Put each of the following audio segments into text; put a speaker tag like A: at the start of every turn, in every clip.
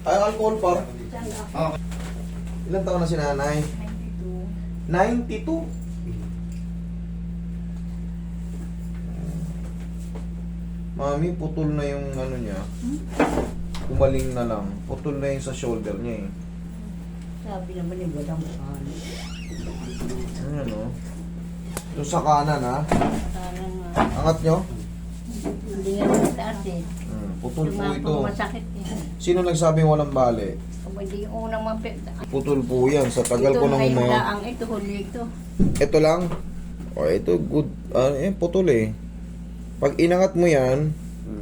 A: Ay, alcohol pa.
B: Saan ako?
A: Ah. Ilan taon na si nanay?
B: 92.
A: 92. Mami, putol na yung ano niya. Kumaling na lang. Putol na yung sa shoulder niya eh.
B: Sabi naman ni walang ano.
A: Ano? Yung sa kanan ha?
B: Sana nga.
A: Angat nyo?
B: Hindi nga mataas eh.
A: Putol po
B: Lumapang
A: ito.
B: masakit eh.
A: Sino nagsabing walang bali?
B: Kung hindi yung unang mapit.
A: Putol po yan. Sa tagal ko nang mga...
B: Ang ito, huli ito.
A: Ito lang. O, ito good. Putol eh. Pag inangat mo yan,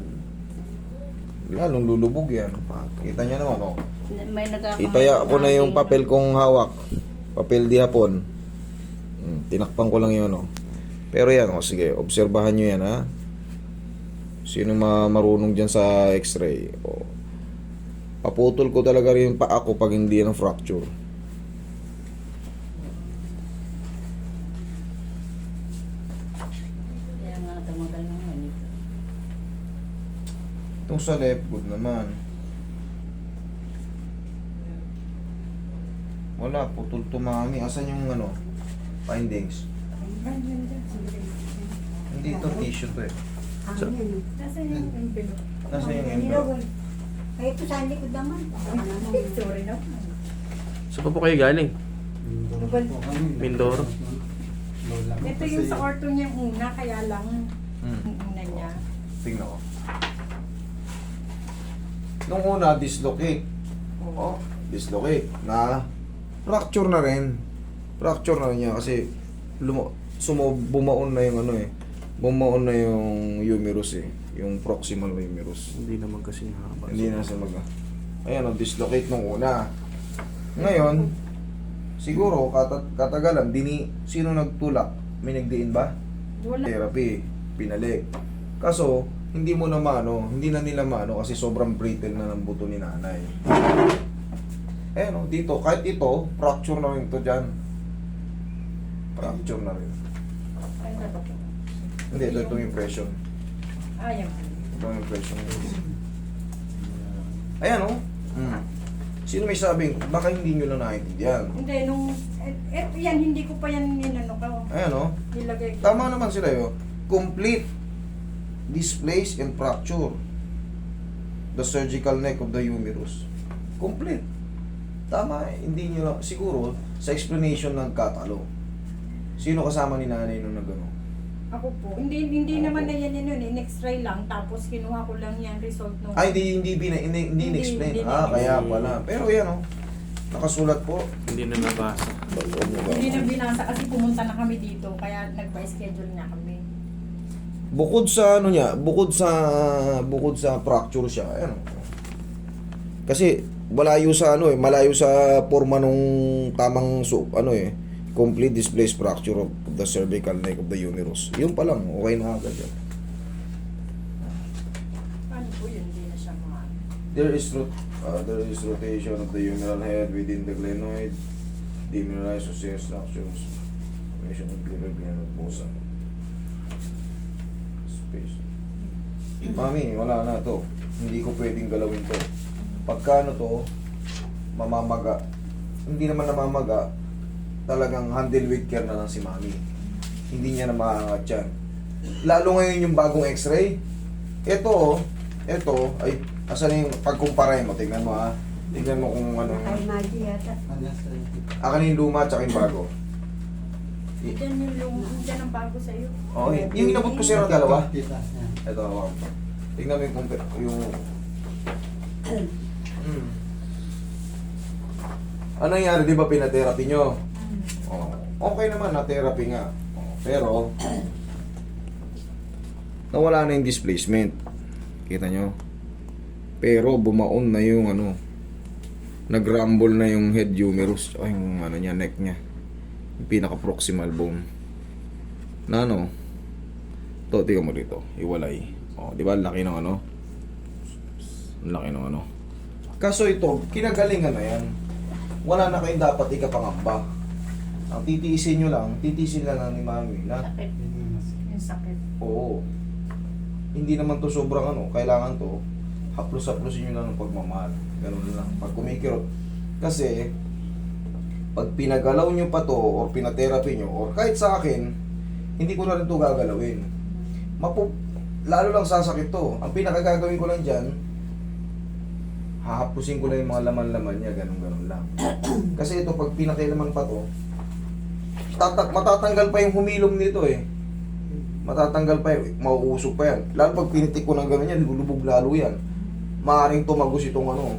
A: lalong lulubog yan. Kita niya naman, oh.
B: May nagkakaroon.
A: Itaya ko na yung papel kong hawak. Papel di hapon. Tinakpan ko lang yun, oh. Pero yan, oh, sige, obserbahan nyo yan, ha. Sino marunong dyan sa x-ray? Oh. Paputol ko talaga rin yung paa ko pag hindi yan ang fracture.
B: Kaya nga tumagal naman ito.
A: Itong sa left, good naman. Wala, putol to mami. Asan yung ano? Findings? Hindi ito, tissue to eh.
C: Nasaan yung envelope?
A: Nasa yung envelope?
C: Ay, ito sa likod naman.
D: Sorry na.
E: Saan pa po kayo galing? Mindoro.
D: Ito yung sa orto niya una, kaya lang yung una niya.
A: Tingnan ko. Nung una, dislocate. Oh, dislocate. Na, fracture na rin. Fracture na rin niya kasi bumaon na yung ano eh. Bumaon na yung humerus eh. Yung proximal humerus.
E: Hindi naman kasi haba.
A: Hindi na siya Ayan, dislocate nung una. Ngayon, siguro, katagalan, sino nagtulak? May nagdiin ba?
D: Wala.
A: Therapy, pinalik. Kaso, hindi mo na maano, hindi na nila maano kasi sobrang brittle na ng buto ni nanay. Eh no, dito, kahit ito, fracture na rin ito dyan. Fracture na rin.
D: Ay, na ba ito?
A: Hindi, ito itong impression.
D: Ayan.
A: Itong impression. Ayan o. Sino may sabing, baka hindi nyo lang naiintindihan.
D: Hindi, nung... yan, hindi ko pa yan ninano ka.
A: Ayan o.
D: Nilagay ko.
A: Tama naman sila yun. Complete displace and fracture the surgical neck of the humerus. Complete. Tama, hindi nyo lang. Siguro, sa explanation ng katalo. Sino kasama ni nanay nung nagano?
D: Ako po. Hindi naman na yan yun. In-x-ray lang. Tapos kinuha ko lang yan result nung...
A: Ay, hindi in-explain.
D: Hindi
A: Kaya pala. Pero yan o. Nakasulat po.
E: Hindi na nabasa.
D: Hindi na binasa kasi pumunta na kami dito. Kaya nagpa-schedule na kami.
A: Bukod sa ano niya, bukod sa fracture siya, ano. Kasi malayo sa ano eh, malayo sa forma nung tamang ano eh, complete displaced fracture of the cervical neck of the humerus. Yun pa lang, okay na agad yan.
D: Paano po yun? Hindi na siya mga...
A: There is rotation of the humeral head within the glenoid, demineralized osseous structures, formation of liver gland of bosa. Space. Mami, wala na to. Hindi ko pwedeng galawin to. Pagka ano to, mamamaga. Hindi naman namamaga, talagang handle with care na lang si mami. Hindi niya na maangat yan. Lalo ngayon yung bagong x-ray. Ito, ay, asan yung pagkumpara mo? Tignan mo ha. Tignan mo kung ano.
C: Ay, mali yata.
A: Akan yung luma at yung bago.
D: Diyan yung dyan ang bago sa'yo.
A: Okay. Yung inabot ko sa'yo ng dalawa. Ito, hawakan ko. Tignan mo yung Ano nangyari, di ba pinatherapy nyo? Oh, okay naman, na-therapy nga. Oh, pero, nawala na yung displacement. Kita nyo? Pero, bumaon na yung ano, nag-rumble na yung head humerus, o yung ano niya, neck niya. Yung pinaka-proximal bone. Na ano, to, tingnan mo dito, iwalay. Oh, di ba, laki ng ano? Laki ng ano. Kaso ito, kinagalingan na yan. Wala na kayong dapat ikapangamba. Ang titiisin nyo lang, titiisin lang ni mami na,
B: Sakit.
D: Yung sakit.
A: oo, hindi naman to sobrang ano, kailangan to, haplos-haplosin nyo lang ng pagmamahal. Ganun lang. Pag kumikirot. Kasi, pag pinagalaw nyo pa to, or pinatherapy nyo, or kahit sa akin, hindi ko na rin to gagalawin. Lalo lang sasakit to. Ang pinakagagawin ko lang dyan, hahapusin ko lang yung mga laman-laman niya, ganun-ganun lang. Kasi ito, pag pinakilaman pa to, matatanggal pa yung humilom nito eh. Matatanggal pa yun, mauusog pa yan. Lalo pag pinitik ko ng gano'n yan, lulubog lalo yan. Maaring tumagos itong ano.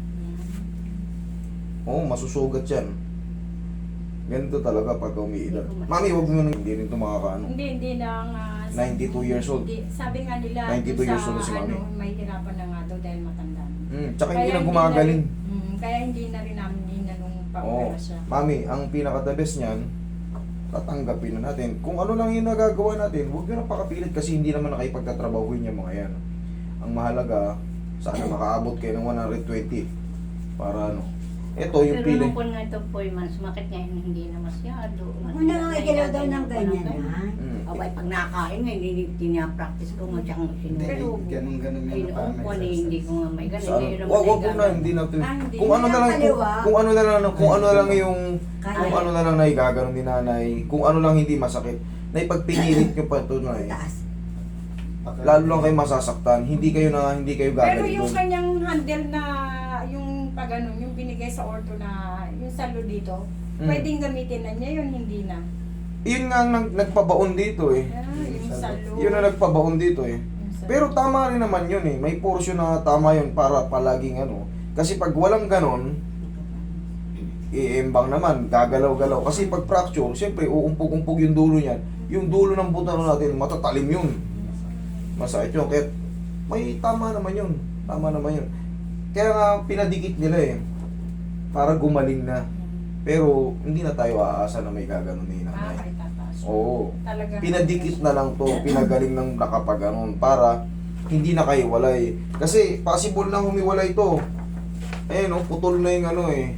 A: Oo, masusugat yan. Ganito talaga pag umiidad. Mami, huwag mo nang hindi rin ito makakaano.
D: Hindi na nga.
A: 92 years old.
D: Sabi nga nila,
A: 92 years old na si Mami.
D: may hirapan na nga daw dahil matanda na.
A: Tsaka hindi na gumagaling.
D: Kaya hindi na rin namin inanong
A: Oo.
D: pa-opera siya.
A: Mami, ang pinaka-the best niyan, tatanggapin na natin. Kung ano lang yung nagagawa natin, huwag nyo na pakapilit kasi hindi naman nakipagtatrabahuin yung mga yan. Ang mahalaga, sana makaabot kayo ng 120 para ano. Ito yung
B: Pero
A: pili.
B: nung po nga ito po, sumakit nga hindi na masyado.
C: Una nga igalaw daw ng ganyan ha.
B: Abay, pag nakain nga, hindi tinapractice ko nga tsaka sinubo.
F: Ganun-ganun nga
B: Pinuong ko na hindi ko nga may ganun.
A: Saan?
B: Ngayon naman
A: Wag
B: ay
A: wag na, hindi natin.
D: Hindi.
A: Kung ano na lang,
C: Kaliwa.
A: kung ano na lang, kung ano lang yung,
C: Kaya.
A: kung ano na lang na igaganon ni nanay, kung ano lang hindi masakit, na ipagpinilit nyo pa ito na eh.
C: Taas.
A: Lalo lang kayo masasaktan, hindi kayo
D: Pero
A: gagaling
D: yung
A: doon.
D: kanyang handle na, yung pag ano, yung binigay sa orto na, yung salo dito, pwedeng gamitin na niya yun, hindi na.
A: Yun nga ang nagpabaon dito eh.
D: Yung salo.
A: Yun ang nagpabaon dito eh.
D: yung salo.
A: Pero tama rin naman yun eh. May portion na tama yun para palaging ano. Kasi pag walang ganon, iembang naman, gagalaw-galaw. Kasi pag fracture, siyempre uumpog-umpog yung dulo niyan. Yung dulo ng butano natin, matatalim yun. Masakit yun. Kaya may tama naman yun. Tama naman yun. Kaya nga pinadikit nila eh. Para gumaling na. Pero hindi na tayo aasa na may gaganon ni nanay.
D: Kahit tataas.
A: Oo.
D: Talagang
A: Pinadikit na lang to, pinagaling ng nakapaganon para hindi na kayo walay. Kasi possible na humiwalay to. Ayun oh, putol na yung ano eh.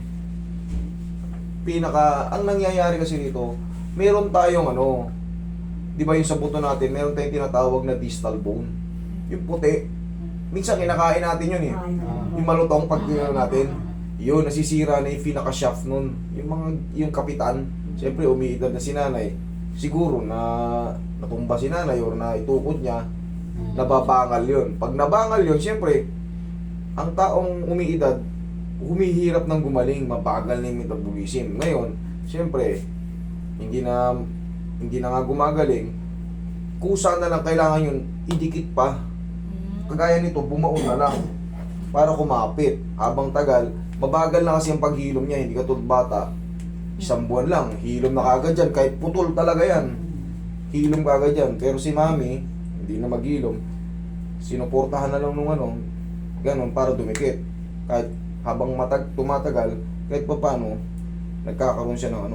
A: Ang nangyayari kasi nito, meron tayong ano, di ba yung sa buto natin, meron tayong tinatawag na distal bone. Yung puti. Minsan kinakain natin yun eh. Yung malutong pag natin. Yun, nasisira na yung pinaka-shaft nun. Yung kapitan, siyempre umiidad na si nanay. Siguro na natumba si nanay or na itukod niya, nababangal yun. Pag nabangal yun, siyempre, ang taong umiidad, humihirap ng gumaling, mabagal na yung metabolism. Ngayon, siyempre, hindi na nga gumagaling, kusa na lang kailangan yun, idikit pa. Kagaya nito, bumaon na lang para kumapit. Habang tagal, mabagal na kasi ang paghilom niya, hindi katulad bata. 1 buwan lang, hilom na kagad yan, kahit putol talaga yan. Hilom kagad yan. Pero si mami, hindi na maghilom. Sinuportahan na lang nung ano, ganun, para dumikit. Kahit habang tumatagal, kahit pa paano, nagkakaroon siya ng ano,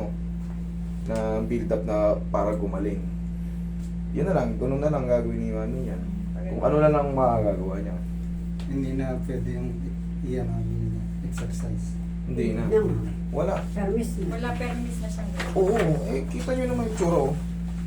A: na build up na para gumaling. Yun na lang, ganun na lang gagawin ni mami niya. Kung ano na lang magagawa niya.
F: Hindi na pwede yung yung exercise.
A: Hindi na. Wala.
C: Permis na.
D: wala permis na siyang gawin.
A: Oo, eh kita nyo naman yung tsura oh.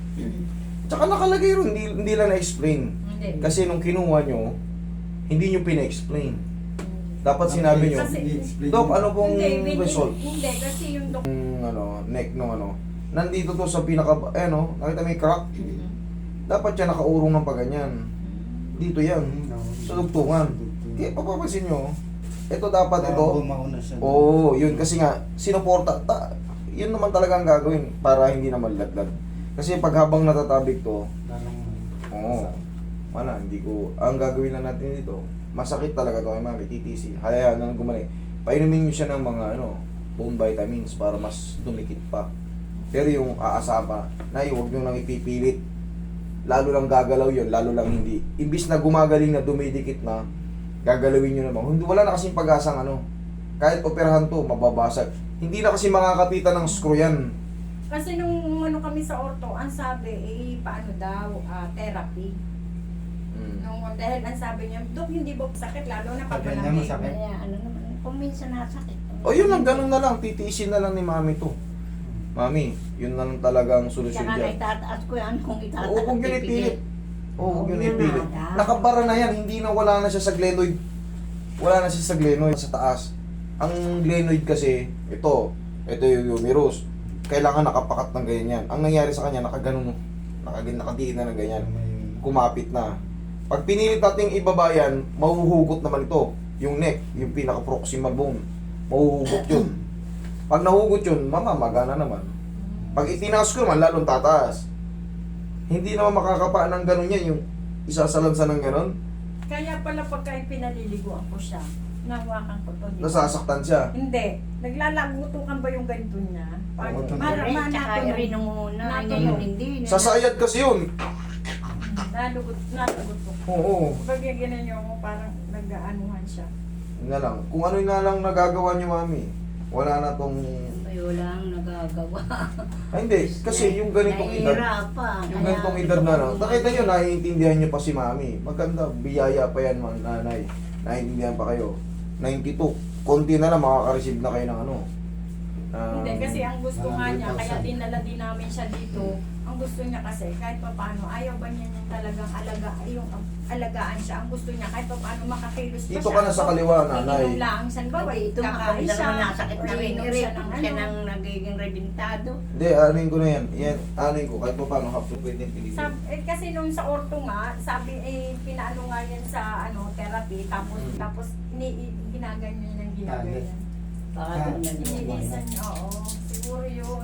A: Tsaka nakalagay rin, hindi lang na-explain.
D: Hindi.
A: Kasi nung kinuha nyo, hindi nyo pina-explain. Dapat sinabi nyo,
D: Kasi-
A: Dok, ano pong
D: Hindi,
A: result?
D: Hindi, kasi yung
A: Yung neck nung ano, nandito to sa pinaka, nakita may crack? Dapat siya nakaurong ng paganyan. Dito yan, sa dugtungan. Kaya papapansin nyo, ito dapat ito.
F: Bumaon na siya.
A: Oo, yun. Kasi nga, sinuporta. Yun naman talaga ang gagawin para hindi na malaglag. Kasi pag habang natatabik to, oo, wala, hindi ko, ang gagawin lang natin dito, masakit talaga to kay mami, TTC. Hayaan na gumaling. Painumin nyo siya ng mga bone vitamins para mas dumikit pa. Pero yung aasa pa, huwag nyo nang ipipilit. Lalo lang gagalaw yun, lalo lang hindi. Imbis na gumagaling na dumidikit na, gagalawin nyo naman. Hindi, wala na kasing pag-asang kahit operahan to, mababasag. Hindi na kasi makakapitan ng screw yan.
D: Kasi nung kami sa orto, ang sabi, paano daw, therapy. Dahil ang sabi niya, Dok, hindi ba sakit, lalo na pag
F: Pag ganyan,
D: malaki.
F: masakit.
B: Kaya ano naman, kung minsan nasakit.
A: O yun lang, ganun na lang. Titiisin na lang ni mami to. Mami, yun na lang talagang solusyon
B: Tsaka
A: dyan.
B: naitataas ko yan kung itataas.
A: Oo, huwag yun ipilit. Oo, huwag yun
C: Huwag
A: ipilit.
C: na.
A: Nakabara na yan, hindi na wala na siya sa glenoid. wala na siya sa glenoid sa taas. Ang glenoid kasi, ito yung humerus. Kailangan nakapakat ng ganyan. Ang nangyari sa kanya, nakaganon, nakadiin na ng ganyan. Kumapit na. Pag pinilit nating ibaba yan, mahuhugot naman ito. Yung neck, yung pinaka-proximal bone. Mahuhugot yun. Pag nahugot yun, mamamaga na naman. Pag itinaas ko naman, lalong tataas. Hindi naman makakapa ng ganon yan, yung isasalansa ng ganon.
D: Kaya pala pagka pinaliliguan ko siya, nahawakan ko to. di ba?
A: Nasasaktan siya.
D: Hindi. Naglalagutukan ba yung ganito niya? Pag
F: Oo,
B: Rin, tsaka
D: natunog.
B: rin nung una,
D: Natunog.
B: ngayon hindi.
A: Sasayad kasi yun.
D: Nalugot ko.
A: Oo.
D: Pag ganyan niyo ako, parang nag-aanuhan siya.
A: Yun na lang. Kung ano na lang nagagawa niyo, mami. Wala na tong...
B: Ay, wala ang nagagawa.
A: Ay, hindi. Kasi yung ganitong edad,
B: Nahihirapan.
A: yung ganitong edad na lang, nakita nyo, naiintindihan nyo pa si mami. Maganda, biyaya pa yan, mga nanay. Naiintindihan pa kayo. 92. Konti na lang, makaka-receive na kayo ng ano.
D: Hindi, kasi ang gusto nga niya,
F: 100,000.
D: kaya dinala din namin siya dito. Ang gusto niya kasi, kahit pa paano, ayaw ba niya yung talagang alagaan siya. Ang gusto niya, kahit pa paano makakilos pa
A: Dito ka na sa kaliwa, nanay.
D: Iinom lang, san ba?
B: Ito
D: Kakain
B: makakita
D: siya.
B: naman nasakit
D: or
B: na rin.
D: iinom siya ng
B: Siya
D: ano.
B: nang nagiging rebintado.
A: Hindi, anuin ko na yan. Yan, anuin ko. Kahit pa paano, half to pwede pilitin.
D: Kasi nung sa orto nga, sabi pinaano nga yan sa therapy, tapos ginaganyan ng ginaganyan.
B: Baka doon na
D: Iniisan niya, oo. Siguro yun.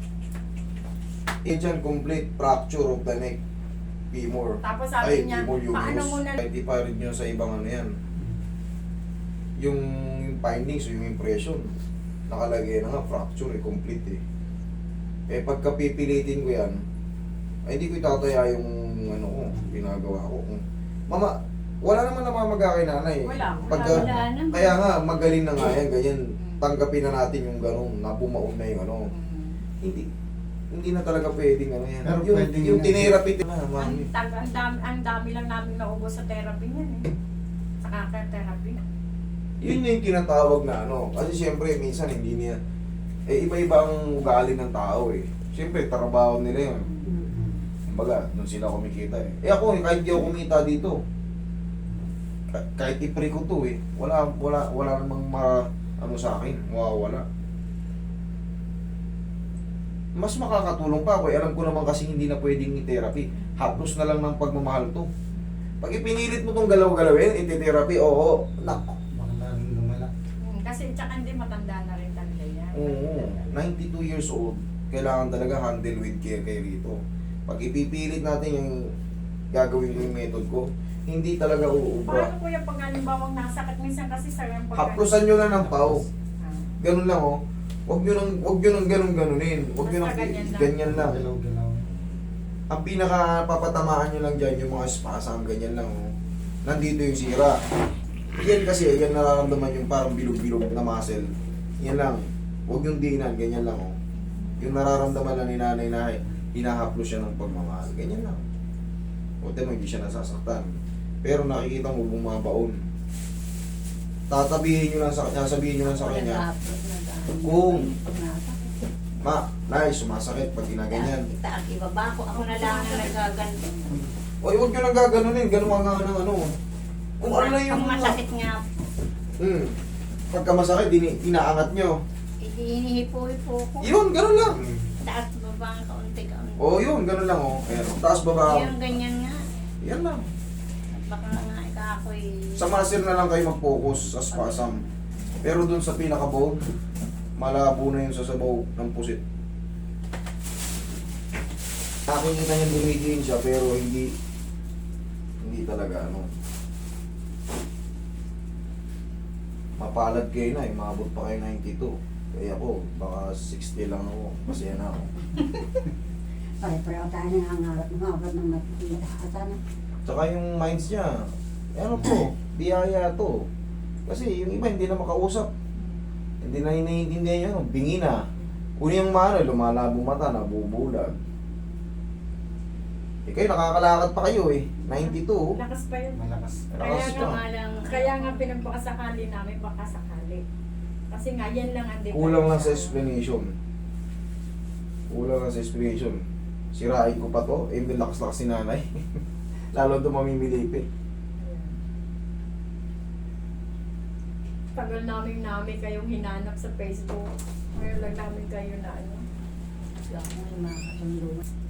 A: Agent complete fracture of the neck. Femur.
D: Tapos sabi niya,
A: femur humerus.
D: paano mo na...
A: Kahit iparid nyo sa ibang ano yan. Yung findings, yung impression. Nakalagay na nga, fracture complete Eh pagka pipilitin ko yan, ay hindi ko itataya yung ano ko, ginagawa ko. Mama, wala naman namamaga kay nanay.
D: Wala
B: wala naman.
A: Kaya nga, magaling na nga yan, ganyan. Tanggapin na natin yung ganun, na bumaon na yung ano. Hindi na talaga pwedeng ano yan.
F: Pero
A: yung
F: pwedeng
A: yung
F: yan.
A: tinirapit na, mami.
D: Ang dami lang namin naubos sa therapy niyan eh. Sa kaka-therapy.
A: Yun yung tinatawag na ano. Kasi siyempre, minsan hindi niya, iba-iba ang ugali ng tao Siyempre, trabaho nila yun. Kumbaga, doon sila kumikita ako, kahit di ako kumita dito, kahit ipre ko to wala namang ano sa akin, mawawala. Mas makakatulong pa ako alam ko naman kasi hindi na pwedeng i-therapy. Haplos na lang ng pagmamahal to. Pag ipinilit mo tong galaw-galawin, iti-therapy, oo, nako.
F: Baka lalong lumala.
D: Kasi tsaka hindi matanda na rin talaga yan.
A: Oo, 92 years old, kailangan talaga handle with care kayo rito. Pag ipipilit natin yung gagawin ko yung method ko, hindi talaga uubra.
D: Paano kuya pag halimbawang nasakit minsan kasi sa yung
A: Haplosan nyo lang ng pau.
D: Ah.
A: Ganun lang Huwag nyo nang ganunin. Huwag nyo nang
D: Basta ganyan lang.
A: ganyan lang.
F: Galaw-galaw.
A: Ang pinaka papatamaan nyo lang dyan, yung mga spasm, ganyan lang Nandito yung sira. Yan kasi, yan nararamdaman yung parang bilog-bilog na muscle. Yan lang. Huwag yung dinan, ganyan lang Yung nararamdaman lang ni nanay na hinahaplos siya ng pagmamahal. Ganyan lang. Huwag mo, hindi siya nasasaktan. Pero nakikita mo bumabaon. Tatabihin nyo lang sa kanya, sabihin nyo lang sa kanya, Kung- Nay, sumasakit pag ginaganyan.
B: Itaas, ibaba ko. Ako na lang na nagaganto.
A: Oy, huwag nyo nang gaganunin, ganun nga ng ano. Kung ano lang yung...
B: Ang masakit nga,
A: Pagka masakit, inaangat nyo.
B: hinihipo-hipo ko.
A: Yun, ganun lang.
B: Taas baba ang kaunti-kaunti.
A: Yun, ganun lang Ayan, taas baba.
B: Yung ganyan nga.
A: Yan lang.
B: At baka nga ako'y...
A: Sa muscle na lang kayo mag-focus sa spasm. Pero dun sa pinaka-bone, malabo na yun sa sabaw ng pusit. Nakikita niya dumidiin siya pero hindi talaga mapalad kayo na maabot pa kayo 92. Kaya ako, baka 60 lang ako. Masaya na ako.
C: Pare-pareho tayo na nangarap ng makikita. At ano?
A: Tsaka yung minds niya, ano to, biyaya to. Kasi yung iba hindi na makausap. Hindi na iniintindihan yun, bingi na. Kung yung mana, lumalabo mata, nabubulag. Kayo nakakalakad pa kayo 92.
D: Lakas pa yun.
F: Malakas.
A: Lakas
D: Kaya
A: pa.
D: Kaya nga pinagpakasakali namin, baka sakali. Kasi nga, yan lang ang
A: Kulang lang sa explanation. Sirain ko pa to, lakas-lakas si nanay. Lalo ito mamimilipit.
D: Tagal namin kayong hinanap sa Facebook. Ngayon lang namin kayo na ano.
B: Kaya ako may mga kasundo.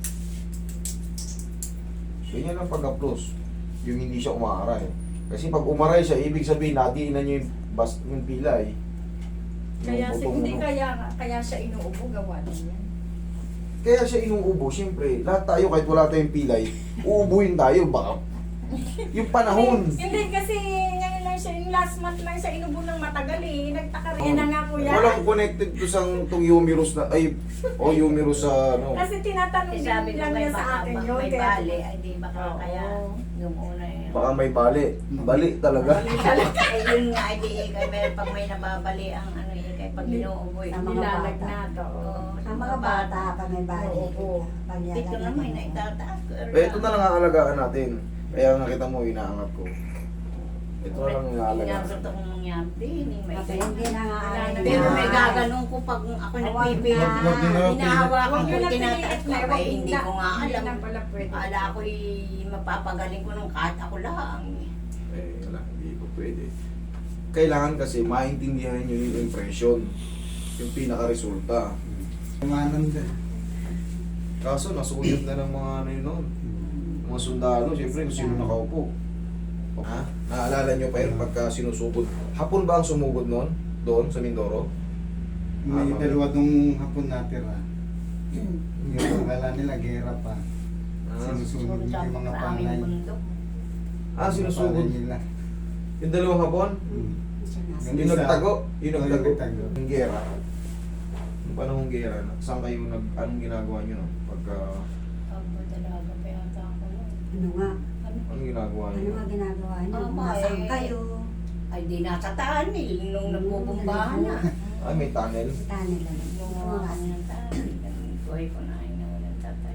A: Ganyan ang pag-applause. Yung hindi siya umaaray. Kasi pag umaray siya, ibig sabihin, nadiinan niyo yung pilay.
D: Kaya
A: Yung
D: hindi
A: butong,
D: kaya siya inuubo gawa din yan.
A: Kaya siya inuubo, siyempre. Lahat tayo, kahit wala tayong pilay, uubuhin tayo. Baka yung panahon.
D: Hindi kasi ngayon lang siya, yung last month lang siya inubo ng matagal eh. Nagtaka rin. Yan na nga kuya.
A: Walang connected to sa itong humerus na, humerus sa, ano.
D: Kasi tinatanong
B: Eh, sabi
D: din
B: ko
D: lang
B: may
D: niya sa akin yun.
B: may
D: kaya-
B: bali, ay di baka
D: Oo.
B: kaya yung una yun.
A: Baka may bali. Bali talaga.
B: Eh yun nga, ay di pag may nababali ang ano ikay pag inuuboy.
C: Sa mga
D: Nilalagnat, oo.
C: Ang mga bata, pag may balik,
D: Oo.
C: pag
B: Dito naman na itataas ko.
A: Ito na lang ang alagaan natin. Kaya nakita mo, inaangat ko. Ito na lang ang alagaan.
B: Inaabot akong mangyari din. May
C: Kasi hindi na nga
B: Pero may gaganong ko pag ako nagpipilit
A: Huwag
B: na
A: din na-
B: hinahawakan
D: Huwag
B: ko
D: yun na
B: tinataas
D: pinilit
B: ko
D: na.
B: eh, hindi ko nga
D: Hindi
B: alam.
D: na pala pwede.
B: Akala ko'y mapapagaling ko nung kahit ako lang.
A: Wala, hindi ko pwede. Kailangan kasi maintindihan nyo yung impression. Yung pinaka-resulta.
F: Kumanan din.
A: Kaso, nasulit na ng mga ano yun noon. Mga sundalo, siyempre, kung sino nakaupo. Ha? Naalala nyo pa yun pagka sinusugod. Hapon ba ang sumugod noon? Doon, sa Mindoro?
F: May
A: Ah,
F: dalawa nung hapon natira. Yung akala nila gera pa. Sinusunod
B: Sa
F: yung mga
B: sa aming
F: panay.
B: bundok.
A: Sinusugod.
F: Panay nila.
A: Yung dalawang hapon? Yung nagtago? Yung nagtago?
F: nagtago.
A: Yung gera. Yung panahong gera, saan kayo anong ginagawa nyo no? Pagka,
B: Dalaga pa yata ako nun.
C: Ano nga?
A: anong ginagawa
C: Ano
A: nyo?
C: nga ginagawa niyo?
B: Ama,
C: Nasaan
B: eh.
C: kayo?
B: Ay di nasa tunnel nung nagbubumbahan na.
A: Ay, may tunnel.
C: Kita nila.
B: Yung mga kami ng tunnel. Buhay ko na ay nawalan tatay.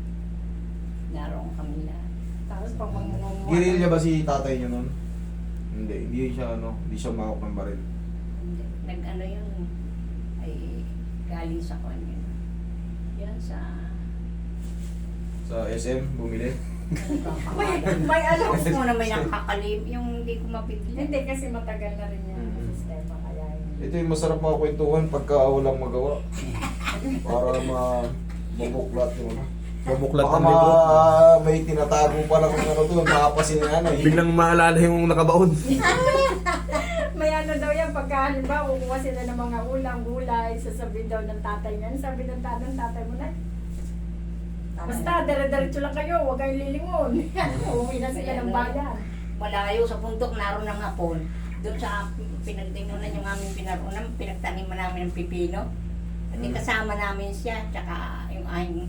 B: Naroon kami na.
D: Tapos pag mangunguha.
A: Girilya ba si tatay nyo nun? Hindi siya hindi siya mahawak ng baril.
B: Nag-ano yun, ay galing sa kanya. Yan sa...
A: Sa SM, bumili.
D: May alam.
B: Gusto mo na may nakakalim, yung hindi ko mapigil.
D: Hindi kasi matagal na rin yung
A: Mhm.
D: sistema kaya yun.
A: Ito yung masarap mga kwentuhan pagka walang magawa. Para mabuklat yung ano.
E: Mabuklat
A: Baka
E: ang libro.
A: may tinatago pa lang ng ano doon, makapasin nga na eh.
E: Biglang maalala yung nakabaon.
D: May ano daw yan, pagka halimbawa kukuha sila ng mga ulam, gulay, sasabihin daw ng tatay niyan, sabi ng tatay mo na, basta dire-diretso lang kayo, huwag kayong lilingon. Uuwi na sila ng bayan.
B: Malayo sa puntok, naroon ng hapon. Doon sa pinagtinunan yung aming pinarunan, pinagtaniman namin ng pipino. At kasama namin siya, tsaka yung aking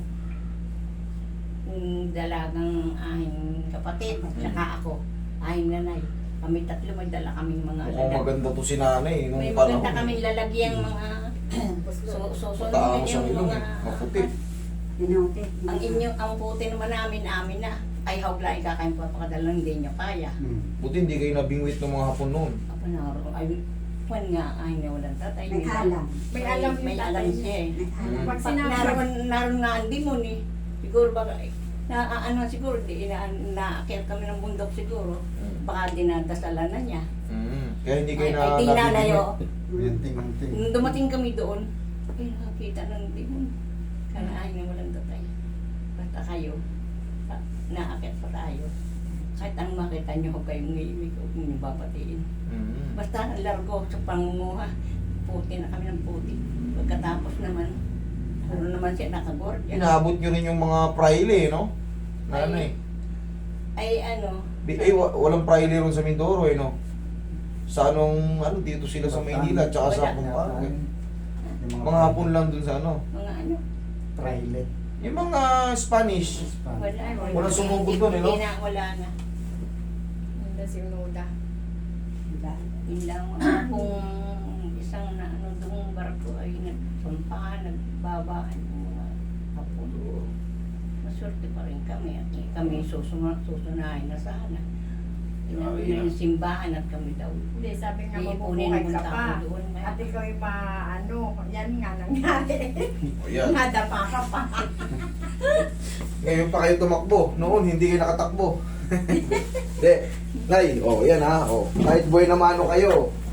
B: dalagang aking kapatid, tsaka ako, aking nanay. Kami tatlo, may dala kaming mga
A: Mukhang maganda to si nanay nung
B: May
A: panahon.
B: maganda kaming lalagyang mga susunod
A: Mataangos ang
B: yung
A: ilong
B: mga...
A: eh, maputi.
C: Pinuti.
B: Ang puti naman amin na. Ay, hawla, ikakain papakadala, hindi niya kaya.
A: Buti hindi kayo nabingwit ng mga hapon noon.
B: Ako na, ay, kwan nga, ay, nawalan tatay.
C: May alam.
D: May alam yung
B: may
D: tatay
B: alam
D: niya.
B: siya eh.
C: May alam.
D: Pag
B: Pag
D: sinabi,
B: naroon nga ang dimon eh. Siguro baka, ano siguro, naakyat kami ng bundok siguro. Baka dinadasalan na niya.
A: Kaya hindi kayo
B: Ay, di nalayo.
F: Yanting-anting.
B: Nung dumating kami doon, ay nakakita ng dimon. Kaya ay nawalan tatay. Basta kayo, naakyat pa tayo. Kahit ang makita niyo, huwag kayong ngimig, huwag niyo babatiin. Basta largo sa pangunguha. Puti na kami ng puti. Pagkatapos naman, ano naman siya nakagordya.
A: Inaabot nyo rin yung mga praile, no? Na ano eh.
B: Ay ano,
A: Walang praile ron sa Mindoro eh, no? Sa anong, dito sila sa Maynila, tsaka sa Pampanga. Mga hapon lang dun sa ano.
B: mga ano,
F: Trailet.
A: Yung mga Spanish.
B: wala.
A: Walang sumugod doon, eh, no?
B: Hindi na, wala na.
D: hindi si Unoda.
B: Yun lang kung isang na ano doong barko ay nagsampahan, nagbabaan yung mga hapon. Maswerte pa rin kami at kami susunahin na sana. Inano na yung simbahan at kami daw.
D: Hindi, sabi nga
B: Iipunin
D: mabubuhay
B: ng
D: ka
B: tao
D: pa.
B: doon.
D: At ikaw ay ano, yan nga nangyari.
A: O yan.
B: Nadapa ka pa.
A: Ngayon pa kayo tumakbo. Noon, hindi kayo nakatakbo. Hindi. Nay, yan ha. Kahit buhay na mano kayo.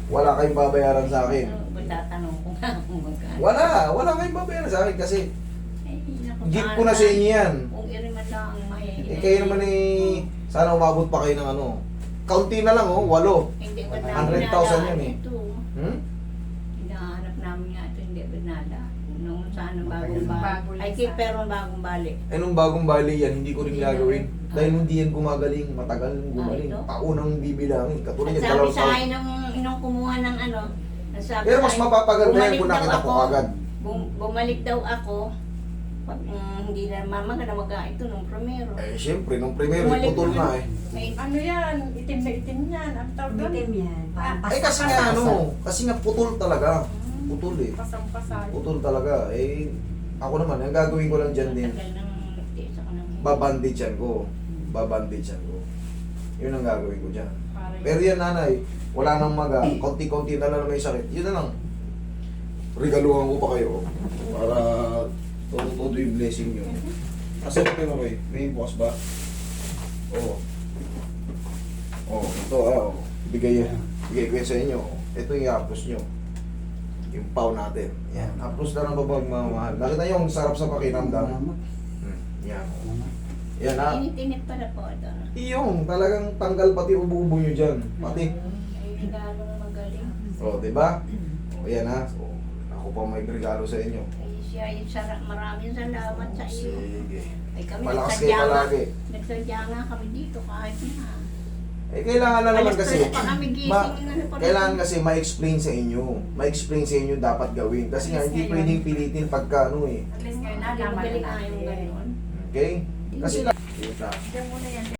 A: Wala kayong babayaran sa akin.
B: Ba't tatanong ko nga kung magkano?
A: Wala kayong babayaran sa akin kasi
B: Naku,
A: gift ko na sa inyo yan.
B: Kung iriman lang ang mahihingi.
A: Kayo naman sana umabot pa kayo ng ano. Kaunti na lang 8.
B: Hindi ba
A: 100,000 yan eh.
B: Ito.
A: Hmm?
B: Hinahanap namin nga ito, hindi ba nala? Nung saan ang bagong
D: Bago
B: bali.
D: lang
B: Ay,
D: sa-
B: pero ang bagong bali.
A: Eh nung bagong bali yan, hindi ko rin
B: Hindi
A: gagawin.
B: na.
A: Dahil hindi yan gumagaling, matagal nang gumaling.
B: ito?
A: Taunang bibilangin. Katulad
B: At
A: yan,
B: sabi
A: dalawang
B: sa
A: taon.
B: akin nung kumuha ng ano, nasabi
A: Pero
B: sa
A: mas
B: akin,
A: mapapaganda yan
B: bumalik
A: kung
B: daw
A: nakita ko
B: ako.
A: agad.
B: Bumalik daw ako. Pag hindi na mama ka na ito nung primero.
A: Eh syempre, nung primero,
B: Bumalik
A: putol na eh.
B: May
D: Ano yan? Itim na itim yan. Ang tawag doon?
C: Bitim yan. Parang
A: Eh kasi nga kasi nga putol talaga. Putol eh.
D: Pasang-pasay.
A: Putol talaga. Eh, ako naman, ang gagawin ko lang dyan din,
B: Tagal nang nagtiis ako ng...
A: babandage ko. Babandage ko. Yun ang gagawin ko dyan.
D: Parang-
A: Pero yan nanay, wala nang maga, konti-konti na lang may sakit. Yun na lang. Regaluhan ko pa kayo para todo yung blessing nyo. Kasi ito mo kayo, may boss ba? Oo. Oo, ito bigay yan. Bigay ko yan sa inyo. Ito yung i-apros nyo. Yung pau natin. Yan. Apros na ng babag mamahal. Nakita nyo ang sarap sa pakiramdam. Yan. Yan ha.
B: Init-init pala po ito.
A: Iyong talagang tanggal pati ubo-ubo nyo dyan. Pati.
B: Ay, regalong magaling.
A: O, diba? O, yan ha. So, ako pa may regalo sa inyo.
B: Ay, siya, maraming salamat sa iyo.
A: Sige.
B: Ay, kami
A: Malakas
B: nagsadya
A: kayo
B: nga.
A: palagi.
B: Nagsadya nga kami dito kahit na.
A: Eh, kailangan na naman
B: Alas
A: kasi.
B: 3 pa kami gising na pa rin.
A: Kailangan kasi ma-explain sa inyo. Ma-explain sa inyo dapat gawin. Kasi nga, hindi pwedeng pilitin pagka ano eh.
D: At least ngayon
B: Hindi
D: nalaman
B: magaling
D: na
B: nga yung
D: natin.
B: gano'n.
A: Okay? Kasi lang.
D: Diyan muna yan.